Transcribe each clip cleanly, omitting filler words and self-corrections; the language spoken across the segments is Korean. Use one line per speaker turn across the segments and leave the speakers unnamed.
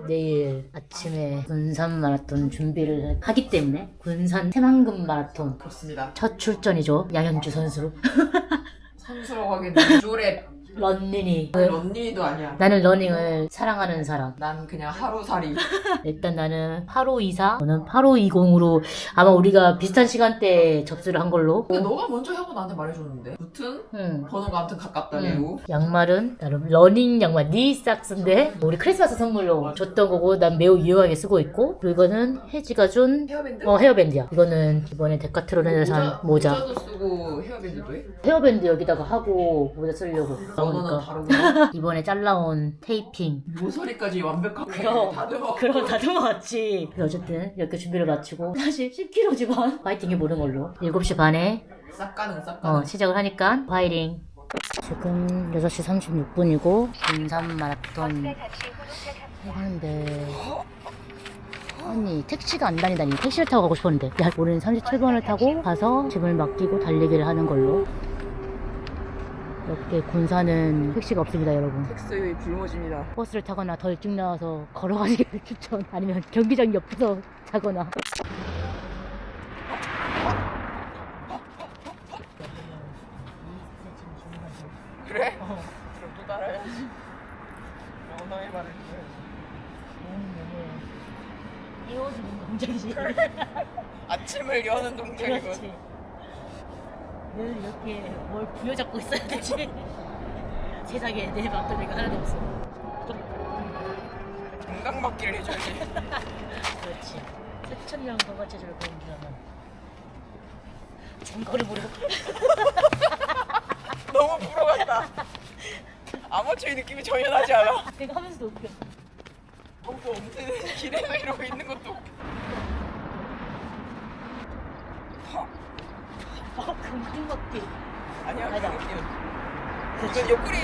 내일 아침에 군산 마라톤 준비를 하기 때문에 군산 새만금 마라톤
그렇습니다.
첫 출전이죠. 양현주 선수.
선수라고 하기에는 조랩
런닝이.
런닝이도 아니야.
나는 러닝을 사랑하는 사람.
난 그냥 하루살이.
일단 나는 8524, 저는 8520으로 아마 우리가 비슷한 시간대에 접수를 한 걸로.
근데 너가 먼저 하고 나한테 말해줬는데 무튼
응.
번호가 아무튼 가깝다 내고.
양말은 나름 러닝 양말 니삭스인데 우리 크리스마스 선물로 줬던 거고 난 매우 유용하게 쓰고 있고, 그리고 이거는 혜지가 준
헤어밴드?
헤어밴드야. 이거는 이번에 데카트론에서 산 모자.
모자도 쓰고 헤어밴드도 해?
헤어밴드 여기다가 하고 모자 쓰려고.
번호는 다르구나.
이번에 잘라온 테이핑.
모서리까지 완벽하게
그럼.
다듬어.
그럼 다듬어왔지. 어쨌든 이렇게 준비를 마치고 사실 10kg지만 파이팅 해보는 걸로 7시 반에
싹 가는.
시작을 하니까 파이팅. 지금 6시 36분이고 군산 마라톤 해가는데, 아니 택시가 안 다니다니. 택시를 타고 가고 싶었는데, 야, 우리는 37번을 타고 가서 짐을 맡기고 달리기를 하는 걸로. 이렇게 군산은 택시가 없습니다, 여러분.
텍스의 불모집니다.
버스를 타거나 더 일찍 나와서 걸어가시기를 추천. 아니면 경기장 옆에서 자거나.
그래? 그럼 또 따라야지. 언어의 말을
이어지는 동작이지.
아침을 여는 동작이고.
그렇지. 늘 이렇게 뭘 부여잡고 있어야 되지. 세상에 내 막걸리가 하나도 없어.
건강받기를 해줘야지.
그렇지. 수천년 건강체조를 보여주려면 장거리 모르고.
너무 부러웠다. 아마추어 느낌이 전혀 나지 않아.
내가 하면서도 웃겨.
정도 없는 길에서 이러고 있는 것도 웃겨.
금붕먹기.
아니야, 그
맞아.
느낌.
그렇지.
이건 옆구리.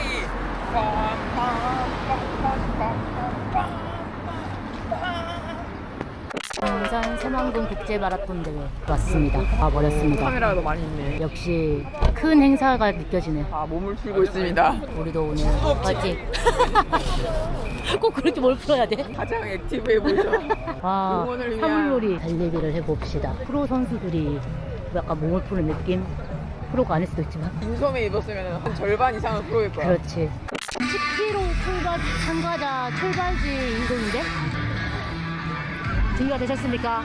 군산 새만금 국제 마라톤 대회 왔습니다. 와버렸습니다.
카메라가 더 많이 있네.
역시 큰 행사가 느껴지네.
아, 몸을 풀고 있습니다.
우리도 오늘 파이팅. 꼭 그렇게 뭘 풀어야 돼?
가장 액티브해 보이죠.
와,
응원을 위한-
사물놀이 달리기를 해봅시다. 프로 선수들이 약간 몸을 푸는 느낌? 프로가 아닐 수도 있지만.
인소매 입었으면 한 절반 이상은 프로일 거야.
그렇지. 10km 참가자 출발지 인근인데? 준비가 되셨습니까?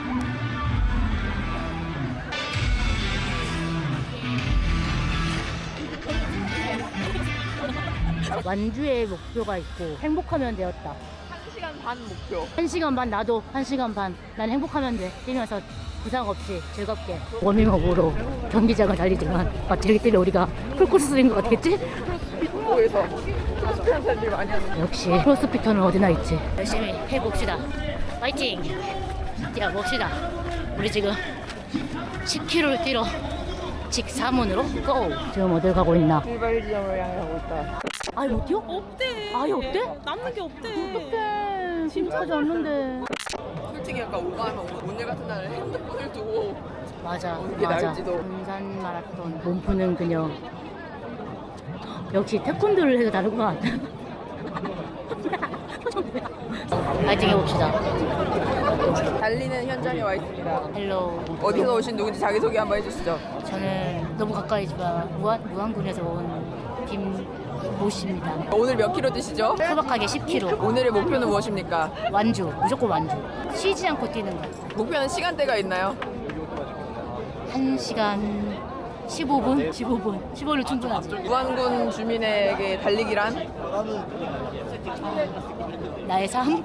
완주의 목표가 있고 행복하면 되었다.
1시간 반 목표.
1시간 반, 나도 1시간 반. 난 행복하면 돼. 뛰면서 부상 없이 즐겁게 워밍업으로 경기장을 달리지만 마치 때문에 우리가 풀코스인 것 같겠지?
홍보에서 스포츠하는 사람들이 많이 하는.
역시 크로스피터는 어디나 있지. 열심히 해봅시다. 파이팅! 뛰어봅시다. 우리 지금 10km를 뛰러 직사문으로 고! 지금 어딜 가고 있나?
출발 지점을 향해 가고 있다.
아예 못 뛰어?
없대.
아예 없대?
남는 게 없대.
어떡해. 심사하지 않는데.
솔직히 약간 오가면 오늘 같은 날은 핸드폰을 두고
맞아,
어느 게
맞아.
나을지도.
군산 마라톤 몸 푸는 그녀. 역시 태권도를 해도 다르구만. 파이팅 해봅시다.
달리는 현장에 와 있습니다.
헬로.
어디서 오신 누군지 자기소개 한번 해주시죠.
저는 너무 가까이지만 무안군에서 온 김모씨입니다.
오늘 몇 킬로 뛰시죠?
소박하게 10km.
오늘의 목표는 무엇입니까?
완주, 무조건 완주. 쉬지 않고 뛰는 거.
목표는 시간대가 있나요?
1시간 15분? 15분 충분하지.
무안군 주민에게 달리기란?
나의 삶?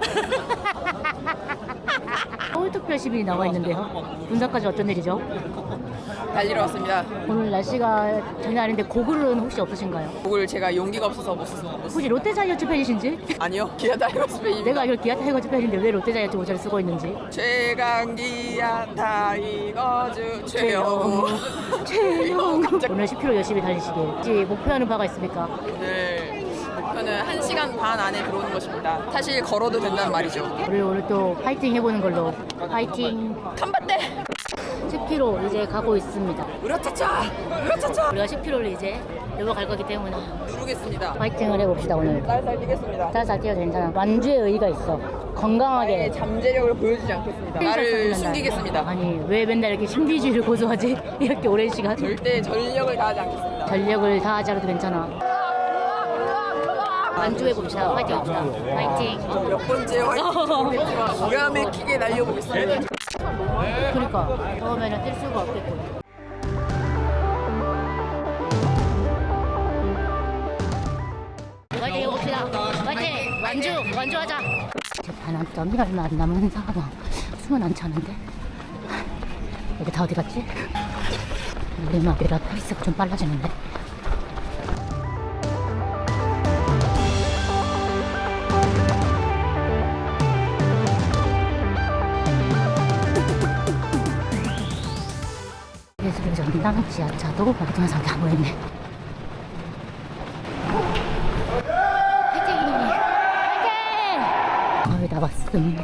서울특별 시민이 나와 있는데요. 군산까지 어떤 일이죠?
달리러 왔습니다.
오늘 날씨가 전혀 아닌데 고글은 혹시 없으신가요?
곡을 제가 용기가 없어서 못 썼어요.
혹시 롯데자이언츠 팬이신지?
아니요. 기아 타이거스 팬입니다.
내가 알기로 기아 타이거즈 팬인데 왜 롯데자이언츠 모자를 쓰고 있는지.
최강 기아 타이거즈 최영우.
최영. 오늘 10km 열심히 달리시길. 혹시 목표하는 바가 있습니까?
오늘 목표는 1시간 반 안에 들어오는 것입니다. 사실 걸어도 된다는 말이죠.
우리 오늘 또 파이팅 해보는 걸로. 파이팅.
탐봤대.
10km 이제 가고 있습니다.
으라차차! 으라차차!
우리가 10km를 이제 넘어갈 거기 때문에
누르겠습니다.
파이팅을 해봅시다 오늘.
쌀쌀 뛰겠습니다.
살살 뛰어도 괜찮아. 완주의 의의가 있어. 건강하게.
나의 잠재력을 보여주지 않겠습니다. 나를 숨기겠습니다.
아니 왜 맨날 이렇게 신비주의를 고수하지? 이렇게 오랜 시간.
절대 전력을 다하지 않겠습니다.
전력을 다하지 않아도 괜찮아. 완주해봅시다. 파이팅 합시다. 파이팅.
몇 번째 화이팅인지 모르겠지만 기가 막히게 날려보겠습니다.
그러니까 처음에는 뛸 수가 없겠고. 파이팅 해봅시다. 파이팅. 완주하자. 제 반환점이 얼마 안 남은 상황. 숨은 안 차는데. 여기 다 어디 갔지? 우리마비라 페이스가 좀 빨라지는데. 예술의 전당 지하차도 동영상이 다 모였네. 화이팅! 화이팅! 거의 다 봤음.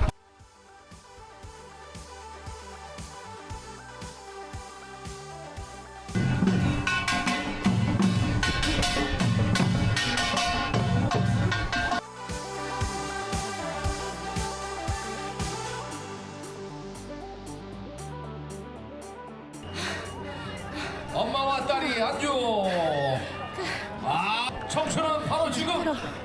엄마와 딸이 안주. 아, 청춘은 바로 지금.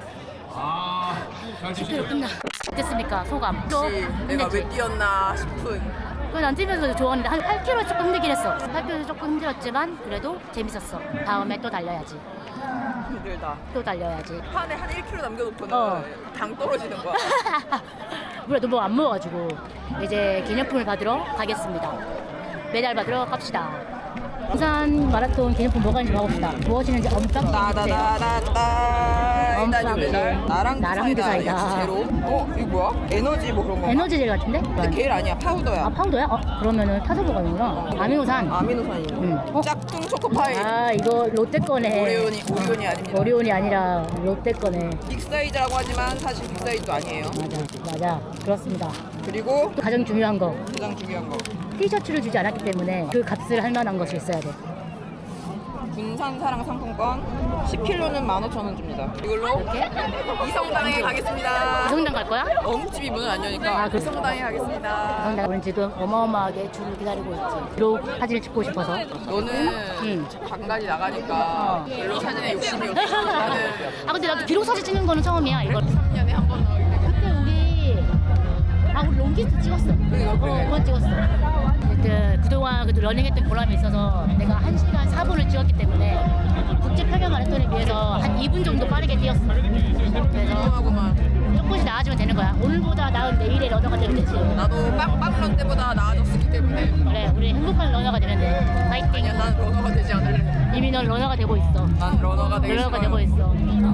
잘 지내요.
끝나. 어땠습니까? 소감.
혹시 내가 왜 뛰었나 싶은
그건 안 뛰면서 좋았는데 한 8km 조금 힘들긴 했어. 8km 조금 힘들었지만 그래도 재밌었어. 다음에 또 달려야지.
힘들다.
또 달려야지.
판에 한 1kg 남겨놓고는
어.
당 떨어지는 거야.
우리가 너무 안 먹어가지고 이제 기념품을 받으러 가겠습니다. 메달 받으러 갑시다. 부산 마라톤 기념품 뭐가 있는지 봐봅시다. 무엇이는지 엄청 보세요.
따다다다다. 일단 요 메달 나랑
나랑
드사이다.
드사이다.
제로. 이거 뭐야? 에너지 뭐 그런 거.
에너지젤 같은데?
근데 겔 아니야. 파우더야.
아 파우더야? 그러면은 타서보가는구나. 아미노산.
아미노산이.
어?
짝퉁 초코파이.
아 이거 롯데 거네.
오리온이 아닙니다.
오리온이 아니라 롯데 거네.
빅 사이즈라고 하지만 사실 빅 사이즈도 아니에요.
맞아 그렇습니다.
그리고
또 가장 중요한 거
가장 중요한 거.
티셔츠를 주지 않았기 때문에 그 값을 할 만한 것이 있어야 돼.
군산 사랑 상품권 10kg는 15,000원 줍니다. 이걸로
이렇게?
이성당에 가겠습니다.
이성당 갈 거야?
어묵집이 문을 안 여니까
아, 그래?
이성당에 가겠습니다.
이성당 우리는 지금 어마어마하게 줄을 기다리고 있지. 비록 사진을 찍고 싶어서.
너는
응.
강단이 나가니까 별로 사진에 욕심이 없어. 나는
아 근데 나도 비록 사진 찍는 거는 처음이야. 이거
3년에 한 번 나오기 때문에.
그때 우리 롱기스트 찍었어. 그건 찍었어. 하여튼 그동안 그래도 러닝했던 보람이 있어서 내가 1시간 4분을 찍었기 때문에 국제 평양 마라톤에 비해서 한 2분 정도 빠르게 뛰었어. 그래서
하고만
조금씩 나아지면 되는 거야. 오늘보다 나은 내일의 러너가 되면 되지.
나도 빵빵런 때보다 나아졌기 때문에
그래, 우리 행복한 러너가 되는데 파이팅.
아니야 난 러너가 되지 않을래.
이미 넌 러너가 되고 있어.
난 러너가 되기
러너가
싫어.
되고 있어.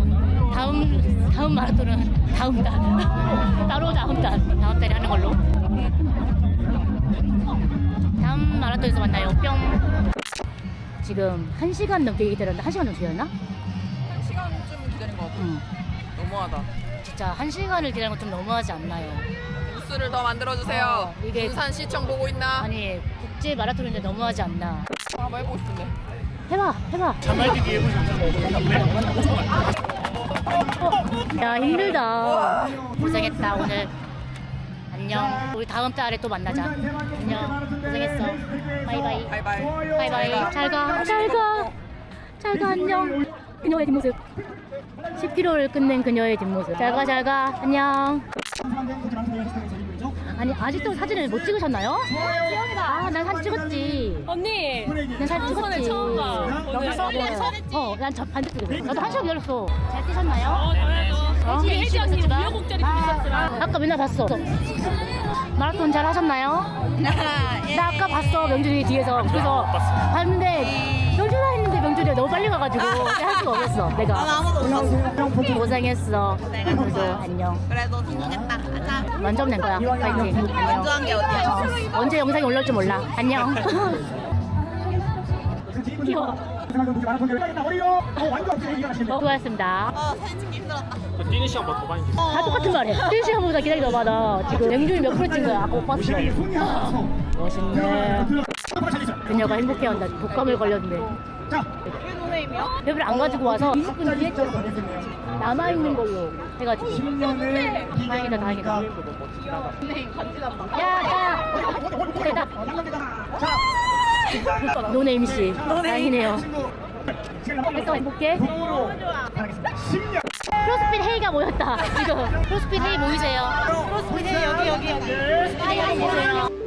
다음 마라톤은 다음 달. 따로 다음 달에 하는 걸로. 다음 마라톤에서 만나요. 뿅. 지금 1시간 넘게 기다렸는데 1시간 좀 기다렸나?
1시간쯤 기다린 것 같아.
응.
너무하다.
진짜 1시간을 기다리는 건 좀 너무하지 않나요?
부스를 더 만들어주세요.
이게-
군산시청 보고 있나?
아니 국제 마라톤인데 너무하지 않나?
한번 해보고 싶은데.
해봐. 야 힘들다. 고생했다 오늘. 안녕. 우리 다음 달에 또 만나자. 안녕. 고생했어. 바이바이.
바이바이.
잘 가. 안녕. 그녀의 뒷모습. 10km를 끝낸 그녀의 뒷모습. 잘 가. 안녕. 아니 아직도 사진을 못 찍으셨나요? 아, 난 사진 찍었지.
언니,
난 사진 찍었지.
처음 봐. 오늘
난 저 반대 쪽에. 나도 1시간 기다렸어. 잘 뛰셨나요?
저희도
어?
혜지 언니 우여곡절이 좀 있었지만
아까 맨날 봤어. 마라톤 잘 하셨나요? 나 아까 봤어 명준이 뒤에서. 그래서 봤는데 명준아 했는데 명준이가 너무 빨리 가가지고 할 수가 없었어. 내가 아무도 고생했어. 그래도 안녕.
그래도 성공했다. 가자.
만점 낸 거야. 파이팅. 안녕.
완주한 게 어디야?
언제 영상이 올라올지 몰라. 안녕. 귀여워. 수고하셨습니다.
사진 찍기 힘들었다.
뛰는 시간 더 많이
다 똑같은 말해. 1시간보다 기다리다 많아. 지금 명준이 몇 프로 찍은 거야? 아까 못 봤어. 멋있네. 그녀가 행복해한다. 독감을 걸렸네.
왜 노네임이야?
배를 안 가지고 와서 20분 뒤에 남아있는 걸로 해가지고. 다행이다, 다행이다.
노네임 간지 난다.
야! 대답! 노네임 씨. 다행이네요. 했어, 행복해?
너무 좋아.
크로스핏 헤이가 모였다. 지금. 크로스핏 헤이 모이세요.
크로스핏 여기.
크로스핏 헤이 모이세요.